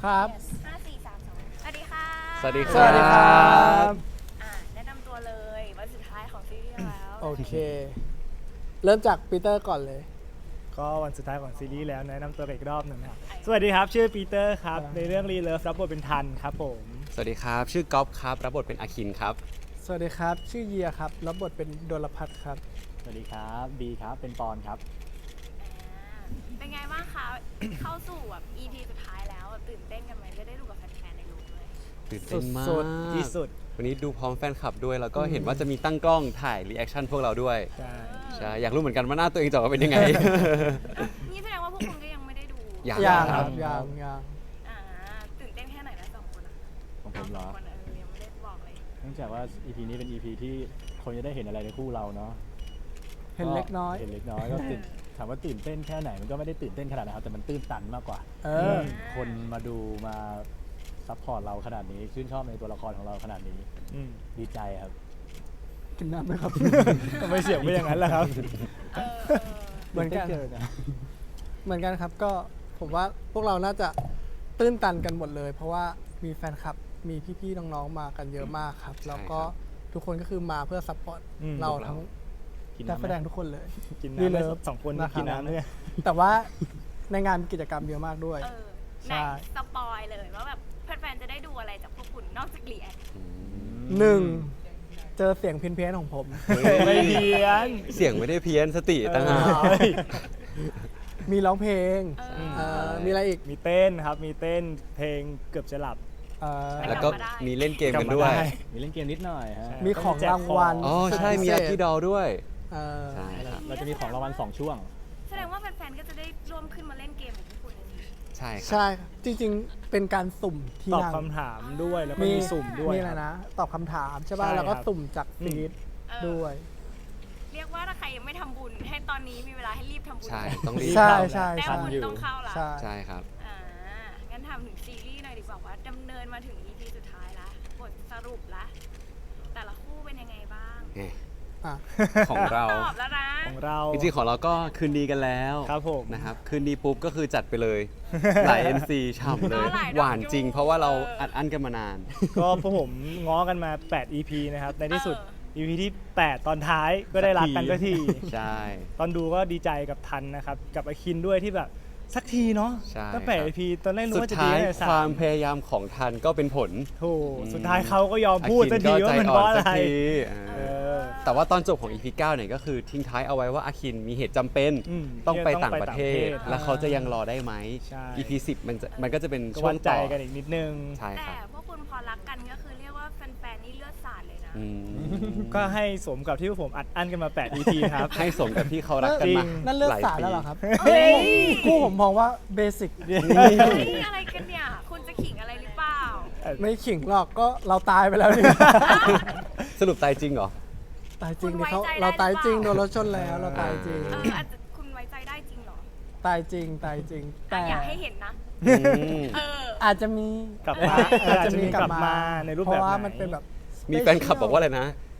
ครับ 5 4 3 2สวัสดีค่ะสวัสดีสวัสดีครับแนะนำตัวเลยวันสุดท้ายของซีรีส์แล้วโอเค เริ่มจากปีเตอร์ก่อนเลยก็วันสุดท้ายของซีรีส์แล้วแนะนำตัวอีกรอบหนึ่งครับสวัสดีครับชื่อปีเตอร์ครับในเรื่องรีเลิฟรับบทเป็นทันครับผมสวัสดีครับ ชื่อก๊อฟครับ รับบทเป็นอาคินครับสวัสดีครับ ชื่อเยียครับรับบทเป็นโดลพัทครับสวัสดีครับบีครับเป็นปอนครับเป็นไงบ้างคะ เข้าสู่แบบ EP สุดท้ายแล้วตื่นเต้นกันไหมจะได้ดูกับแฟนๆในรูปด้วยตื่นเต้นมากสุดที่สุดวันนี้ดูพร้อมแฟนคลับด้วย แล้วก็เห็นว่าจะมีตั้งกล้องถ่ายรีแอคชั่นพวกเราด้วยใช่ใช่ อยากรู้เหมือนกันว่าหน้าตัวเองจะออกมาเป็นยังไงนี่แสดงว่าพวกคุณก็ยังไม่ได้ดูยังยางคครัรับ บยางยางอ่าตื่นเต้นแค่ไหนนะสองคนอะของผมเหรอสงคนยังไม่ได้บอกเลยเนื่องจากว่า EP นี้เป็น EP ที่คนจะได้เห็นอะไรในคู่เราเนาะเห็นเล็กน้อยเห็นเล็กน้อยก็ถามว่าตื่นเต้นแค่ไหนมันก็ไม่ได้ตื่นเต้นขนาดนะครับแต่มันตื้นตันมากกว่าเออคนมาดูมาซัพพอร์ตเราขนาดนี้ชื่นชอบในตัวละครของเราขนาดนี้อืมดีใจครับกินน้ำไหมครับทำไมเสียงไม่อย่างนั้นล่ะครับเออเหมือนกันได้เจอนะเหมือนกันครับก็ผมว่าพวกเราน่าจะตื้นตันกันหมดเลย เพราะว่ามีแฟนคลับมีพี่ๆน้องๆมากันเยอะมากครับ แล้วก็ทุกคนก็คือมาเพื่อซัพพอร์ตอืมเราทั้งกินนักน้ำแสดงทุกคนเลยกินรีน้ำเลิได้ฟสองคนนะครับกินน้ำด้วยแต่ว่าในงานมีกิจกรรมเยอะมากด้วยเออใช่ไหนสปอยเลยว่าแบบแฟนๆจะได้ดูอะไรจากพวกคุณนอกจากเรียนหนึ่งเจอเสียงเพี้ยนๆของผมไม่เพี้ยนเสียงไม่ได้เพี้ยนสติต่างหากเอ้ยมีร้องเพลงเออมีอะไรอีกมีเต้นครับมีเต้นเพลงเกือบจะหลับเอ่อแล้วก็มีเล่นเกมกันด้วยกลับมาได้มีเล่นเกมนิดหน่อยฮะใช่มีของรางวัลอ๋อ ใช่ มีอาคิดอลด้วยเอ่อใช่ครับเราจะมีของรางวัล2ช่วงแสดงว่าแฟนๆก็จะได้ร่วมขึ้นมาเล่นเกมกับพวกคุณเลยสิใช่ครับใช่ครับจริงๆ เป็นการสุ่มที่ตอบนั่งคำถามด้วยแล้วก็มีสุ่มด้วยมีอะไรครับนะ ตอบคำถามใช่ป่ะใช่แล้วก็ครับสุ่มจากฟีดเออด้วยเรียกว่าถ้าใครยังไม่ทำบุญ ให้ตอนนี้มีเวลาให้รีบทำบุญใช่เลยต้องรีบใช่ใช่แต้ใช่มบุญต้องเข้าละใช่ใช่ครับงั้นทำถึงซีรีส์หน่อยดีกว่าว่าดำเนินมาถึง EP สุดท้ายละบทสรุปละแต่ละคู่เป็นยังไงบ้างอ่ะของเราต้องตอบแล้วนะของเราจริงๆของเราก็คืนดีกันแล้วครับผมนะครับคืนดีปุ๊บก็คือจัดไปเลย หลาย NC ฉ่ำเลยหลายดอกหวานจริง เพราะว่าเราเอออัอัดอั้นกันมานานก็พวกผมง้อกันมา 8 EP นะครับในที่สุดเออ EP ที่ 8 ตอนท้ายก็ได้รักกันสักทีใช่ตอนดูก็ดีใจกับทันนะครับ กับอาคินด้วยที่แบบสักทีเนาะใช่ตั้งแต่ครับ EP ตอนแรกรู้สุดว่าจะดีท้ายแต่สาความมพยายามของทันก็เป็นผลถูกสุดท้ายเขาก็ยอมพูดอาสักคิทีก็ว่าใจมันอ่เพอนราะอะสักไรทีเออแต่ว่าตอนจบของ EP 9เนี่ยก็คือทิ้งท้ายเอาไว้ว่าอาคินมีเหตุจำเป็นอืมต้องไปที่จะต่างประเทศต้องไปต่างประเทศแล้วเขาจะยังรอได้ไหมใช่ EP 10มันก็จะเป็นก็ช่ววังนใจต่อกันอีกนิดนึงใช่คแต่รับพวกคุณพอรักกันก็คือเรียกว่าแฟนๆนี่เลือดสาดเลยนะอืมก็ให้สมกับที่พวกผมอัดอั้นกันมา 8 EP ครับให้สมกับที่เขารักกันมานั่นเลือกหลายสารปีแล้วเหรอครับเฮ้ยคู่ผมมองว่าเบสิกเฮ้ยอะไรกันเนี่ย คุณจะขิงอะไรหรือเปล่าไม่ขิงหรอกก็เราตายไปแล้วนี่สรุปตายจริงเหรอตายจริงคุณดิเขาไว้ใจได้เราตายจริงหโดรือเปล่านรถชนแล้วเราตายจริงอาจจะคุณไว้ใจได้จริงเหรอตายจริงตายจริง แต่อยากให้เห็นนะอืมเอออาจจะมีกลับมาอาจจะมีกลับกลับมามาในรูปเพแบบราะว่าไหนมันเป็นแบบมีแฟนคลับบอกว่าอะไรนะ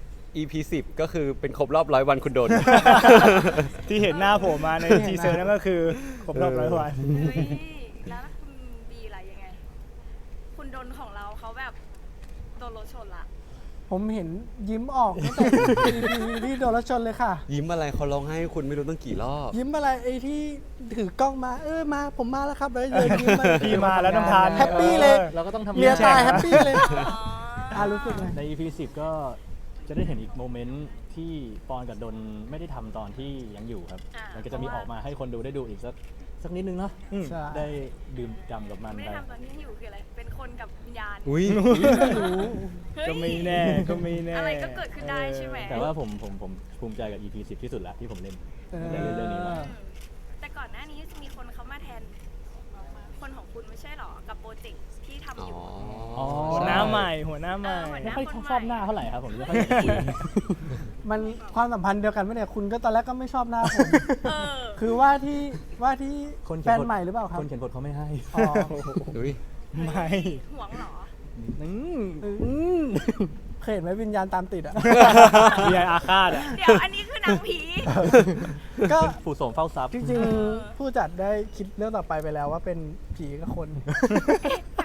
EP 10ก็คือเป็นครบรอบ100 วันคุณโดนที่เห็นหน้าผมมาในทีเซอร์นั่นก็คือครบรอบ100 วันเฮ้ย แล้วคุณบีอะไรยังไง คุณดนของเราเขาแบบโดนรถชนละผมเห็นยิ้มออกตั้งแต่ EP ที่โดนรถชนเลยค่ะยิ้มอะไรเขาร้องให้คุณไม่รู้ตั้งกี่รอบยิ้มอะไรไอ้ที่ถือกล้องมามาผมมาแล้วครับแล้วเดินยิ้มมาพี่มาแล้วน้ำทานแฮปปี้เลยเราก็ต้องทำเลียงานตายแฮปปี้เลยอ๋อรู้สึกไงใน EP 10 ก็จะได้เห็นอีกโมเมนต์ที่ปอนกับดนไม่ได้ทำตอนที่ยังอยู่ครับ มันก็จะมีออกมาให้คนดูได้ดูอีกสักนิดนึงเนาะอืมใช่ได้ดื่มด่ำกับมันไม่ไปได้ทำตอนที่อยู่คืออะไร เป็นคนกับวิญญาณอุ้ยไม่รู้เฮ้ยก็ไม่แน่ก็ไม่แน่อะไรก็เกิดขึ้นได้ใช่ไหมแต่ว่าผมภูมิใจกับ EP 10 ที่สุดแล้วที่ผมเล่นเออได้เล่นเรื่องนี้มาแต่ก่อนหน้านี้จะมีคนเขามาแทน คนของคุณไม่ใช่หรอ กับโปรเจกต์ที่ทำอยู่อ๋อหัวหน้าใหม่หัวหน้าใหม่หัวหไม่น้าค่อยชอบหน้าเท่าไหร่ครับผมไม่ค่อยอยากคุยมันความสัมพันธ์เดียวกันไหมเนี่ยคุณก็ตอนแรกก็ไม่ชอบหน้าผมเออคือว่าที่คนแฟนใหม่หรือเปล่าครับคนเขียนบทเขาไม่ให้อ๋ออุ้ยไม่ห่วงเหรอเคยเห็นไหมวิญญาณตามติดอ่ะมีอาฆาตอ่ะเดี๋ยวอันนี้คือนางผีก็ผู้ส่งเฝ้าทรัพย์จริงๆผู้จัดได้คิดเรื่องต่อไปไปแล้วว่าเป็นผีกับคนเ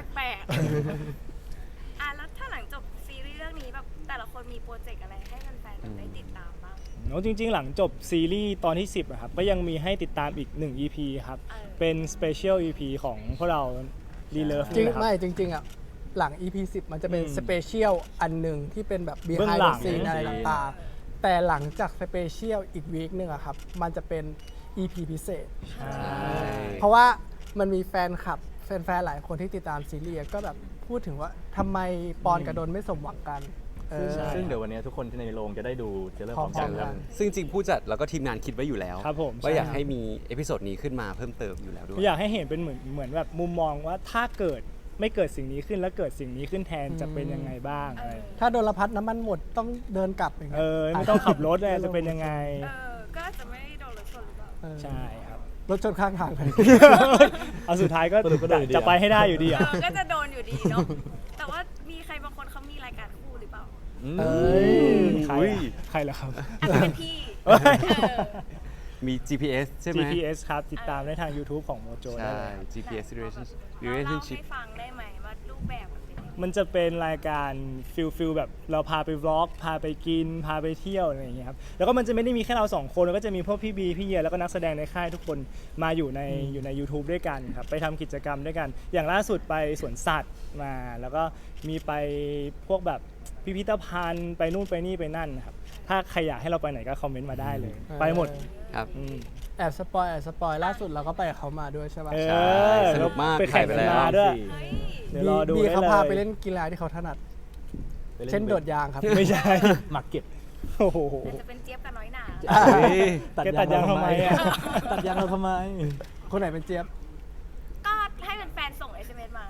แล้วถ้าหลังจบซีรีส์เรื่องนี้แบบแต่ละคนมีโปรเจกต์อะไรให้แฟนๆแบบได้ติดตามบ้างแล้วจริงๆ หลังจบซีรีส์ตอนที่ 10อะครับก็ยังมีให้ติดตามอีก 1 EP ครับ เป็น Special EP ของพวกเรา Relove จริงนะครับไม่จริงๆอ่ะหลัง EP 10 มันจะเป็นอืมสเปเชียลอันหนึ่งที่เป็นแบบเบื้อง behind หลั the ง scene อะไรต่างๆ แต่หลังจากสเปเชียลอีกวีคหนึ่งอะครับ มันจะเป็น EP พิเศษ เพราะว่ามันมีแฟนคลับแฟนๆหลายคนที่ติดตามซีรีส์ก็แบบพูดถึงว่าทำไมปอนกับดนไม่สมหวังกันเออซึ่งเดี๋ยววันนี้ทุกคนที่ในโรงจะได้ดูเทรลเลอร์พร้อมกันพร้อมๆครับกันซึ่งจริงผู้จัดแล้วก็ทีมงานคิดไว้อยู่แล้วครับผมว่าอยากใช่ให้มีเอพิโซดนี้ขึ้นมาเพิ่มเติมอยู่แล้วด้วยอยากให้เห็นเป็นเหมือนแบบมุมมองว่าถ้าเกิดไม่เกิดสิ่งนี้ขึ้นแล้วเกิดสิ่งนี้ขึ้นแทนจะเป็นยังไงบ้างอะไรถ้าโดนละพัดน้ำมันหมดต้องเดินกลับอย่างเงี้ยไม่ต้องขับรถเลยจะเป็นยังไงก็จะไม่โดนรถชนหรือเปล่าเออใช่ครับรถชนข้างทางเลยเอาสุดท้ายก็สรุปก็โดนอยู่ดีจะไปให้ได้อยู่ดีอ่ะก็จะโดนอยู่ดีเนาะ แต่ว่ามีใครบางคนเขามีรายการคู่หรือเปล่าเอ้ยใครอุ้ยอะใครเหรอครับอาจจะเป็นพี่เอ้ยมี GPS ใช่ไหม GPS ครับ ติดตามได้ทาง YouTube ของโมโจได้ใช่เลยครับ GPS เล่า relationship ให้ฟังได้ไหมว่ารูปแบบมันเป็นยังไงมันจะเป็นรายการฟิลแบบเราพาไปวล็อกพาไปกิน พาไปเที่ยวอะไรอย่างเงี้ยครับแล้วก็มันจะไม่ได้มีแค่เรา2คนแล้วก็จะมีพวกพี่บีพี่เยียแล้วก็นักแสดงในค่ายทุกคนมาอยู่ใน YouTube ด้วยกันครับไปทำกิจกรรมด้วยกัน อย่างล่าสุดไปสวนสัตว์มา แล้วก็มีไปพวกแบบพิพิธภัณฑ์ไปนู่นไปนี่ไปนั่นนะครับถ้าใครอยากให้เราไปไหนก็คอมเมนต์มาได้เลย ไปหมดครับอืมแอบสปอยล่าสุดเราก็ไปกับเขามาด้วยใช่ปะเอใช่อสนุกมากไปแข่งถ่ายไปกันแล้วมาด้วยเฮ้ยเดี๋ยวรอดูบีได้เขาเลยพาไปเล่นกีฬาที่เขาถนัดไปล่เช่นโดดยางครับไม่ใช่หมักเก็บโอ้โหแต่จะเป็นเจี๊ยบกับน้อยหนาเฮ้ยแกตัดยางทำไมอะตัดยางเราทำไมคนไหนเป็นเจี๊ยบก็ให้แฟนๆส่ง SMS มา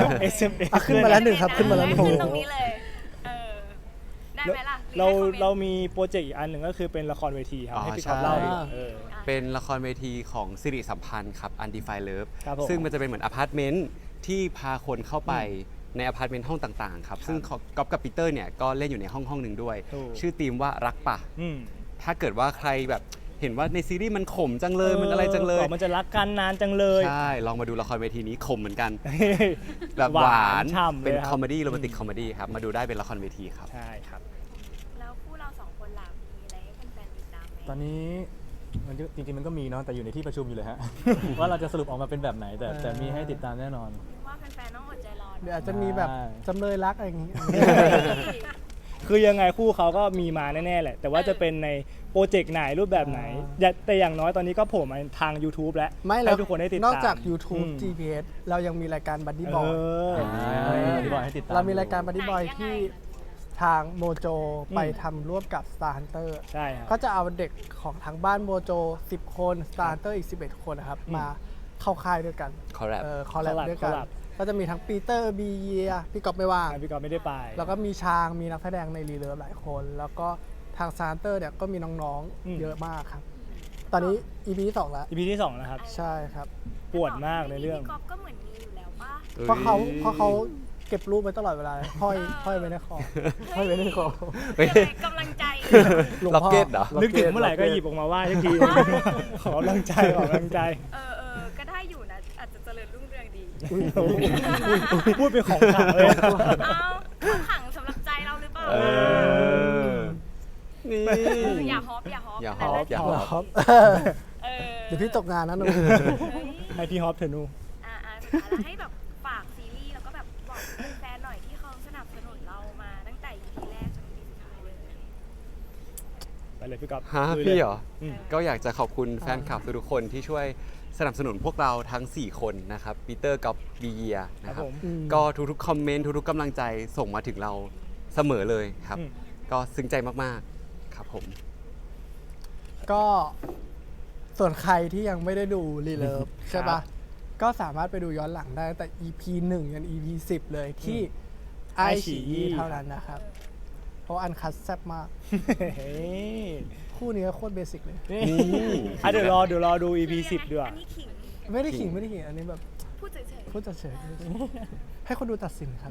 SMS อ่ะขึ้นมาแล้ว หนึ่งครับขึ้นมาแล้วหนึ่งขึ้นตรงนี้เลย ได้ไหมล่ะเรามีโปรเจกต์อีกอันหนึ่งก็คือเป็นละครเวทีครับอ๋อให้พี่ก๊อฟใช่เล่าดีกว่าเป็นละครเวทีของสิริสัมพันธ์ครับ Undefined Love ครับผมซึ่งมันจะเป็นเหมือนอพาร์ตเมนต์ที่พาคนเข้าไปในอพาร์ตเมนต์ห้องต่างๆครับ ซึ่งก๊อฟกับปีเตอร์เนี่ยก็เล่นอยู่ในห้องหนึ่งด้วยถูกชื่อธีมว่ารักป่ะอืมถ้าเกิดว่าใครแบบเห็นว่าในซีรีส์มันขมจังเลยมันอะไรจังเลยมันจะรักกันนานจังเลยใช่ ลองมาดูละครเวทีนี้ขมเหมือนกัน แบบหวานฉ่ำเลยเป็นครับคอมเมดี้โรแมนติกคอมเมดี้ครับ มาดูได้เป็นละครเวทีครับใช่ครับแล้วคู่เราสองคนล่ะมีอะไรให้แฟนๆติดตามไหมตอนนี้มันจริงๆมันก็มีเนาะแต่อยู่ในที่ประชุมอยู่เลยฮะ ว่าเราจะสรุปออกมาเป็นแบบไหนแต่มีให้ติดตามแน่นอนว่าแฟนๆต้องอดใจรอเดี๋ยวอาจจะมีแบบจำเลยรักอะไรอย่างงี้คือยังไงคู่เขาก็มีมาแน่ๆแหละ แต่ว่าจะเป็นในโปรเจกต์ไหนรูปแบบไหนแต่อย่างน้อยตอนนี้ก็โผล่มาทาง YouTube แล้วไม่แล้ให้วทุกคนได้ติดตามนอกจาก YouTube อืม GPS เรายังมีรายการบั d ดี้บอยที่บอกให้ติดตามเรามีรายการบั d ดี้บอยที่ทางโมโจไปทำร่วมกับ Star Hunter ใช่ครับก็จะเอาเด็กของทางบ้านโมโจ 10 คน Star Hunter อีก 11 คนนะครับ มาเข้าค่ายด้วยกัน Collab คอลแลบด้วยกัน ก็จะมีทั้งปีเตอร์บีเยียพี่กอบไม่ว่างพี่กอฟไม่ได้ไปแล้วก็มีชางมีนักแสดงในรีเลิฟหลายคน แล้วก็ทาง Star Hunter เนี่ยก็มีน้องๆเยอะมากครับ ตอนนี้ EP ที่ 2 แล้ว EP ที่2นะครับใช่ครับปวดมากในเรื่องพี่ก๊อฟก็เหมือนมีอยู่แล้วป่ะเพราะเขาเก็บรูปไว้ตลอดเวลาห้อยไว้ในคอห้อยไว้ในคอเฮ้ยกำลังใจหลวงล็อกพ่อเก็ตเหรอนึกถึงเมื่อไหร่ก็หยิบออกมาไหว้ทุกที ขอกำลังใจขอกำลังใจก็ได้อยู่นะ อาจจะเจริญรุ่งเรืองดีพูดเป็นของขลังเลยอะเอาขังสำหรับใจเราหรือเปล่าเออ นี่อย่าฮอปอย่าฮอปนั่นอย่าฮอปครับเออเดี๋ยวพี่ตกงานนะหนูเฮ้ยให้พี่ฮอปเถอะหนูสุดท้ายแล้วให้แบบฝากซีรีส์แล้วก็แบบบอกแฟนๆหน่อยที่เขาสนับสนุนเรามาตั้งแต่ EP แรกจน EP สุดท้ายเลยไปเลยพี่ก๊อฟฮะลุยลยพี่เหรออืมก็อยากจะขอบคุณแฟนคลับทุกๆคนที่ช่วยสนับสนุนพวกเราทั้ง 4 คนนะครับปีเตอร์กับบีเยียนะคครัรับบ ผมก็ทุกๆคอมเมนต์ทุกๆกำลังใจส่งมาถึงเราเสมอเลยครับอืมก็ซึ้งใจมากๆครับผมก็ส่วนใครที่ยังไม่ได้ดูรีเลิฟใช่ปะก็สามารถไปดูย้อนหลังได้ตั้งแต่ EP 1 ยัน EP 10 เลยที่ไอฉี่เท่านั้นนะครับ เพราะอันคัดแซ่บมากเฮ้ยคู่นี้ก็โคตรเบสิกเลยนี่อ่ะเดี๋ยวรอดู EP 10ด้วยอันนี้ขิงไม่ได้ขิงไม่ได้ขิงอันนี้แบบพูดเฉยพูดเฉยๆให้คนดูตัดสินครับ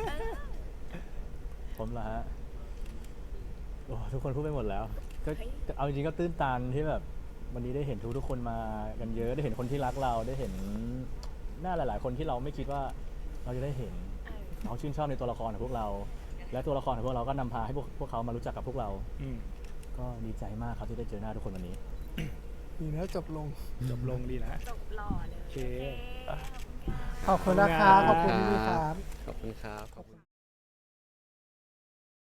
ผมเหรอฮะโอ้ทุกคนพูดไปหมดแล้ว ก็เอาจริงๆก็ตื้นตันที่แบบวันนี้ได้เห็นทุกคนมากันเยอะได้เห็นคนที่รักเราได้เห็นหน้าหลาย ๆ คนที่เราไม่คิดว่าเราจะได้เห็นเออเขาชื่นชอบในตัวละครของพวกเรา และตัวละครของพวกเราก็นำพาให้พวกเขามารู้จักกับพวกเราอืมก็ดีใจมากครับที่ได้เจอหน้าทุกคนวันนี้ดีนะจบลงจบลงดีนะจบหล่อเลยโอเคขอบคุณค่ะขอบคุณนะครับ ขอบคุณพี่ๆครับขอบคุณครับ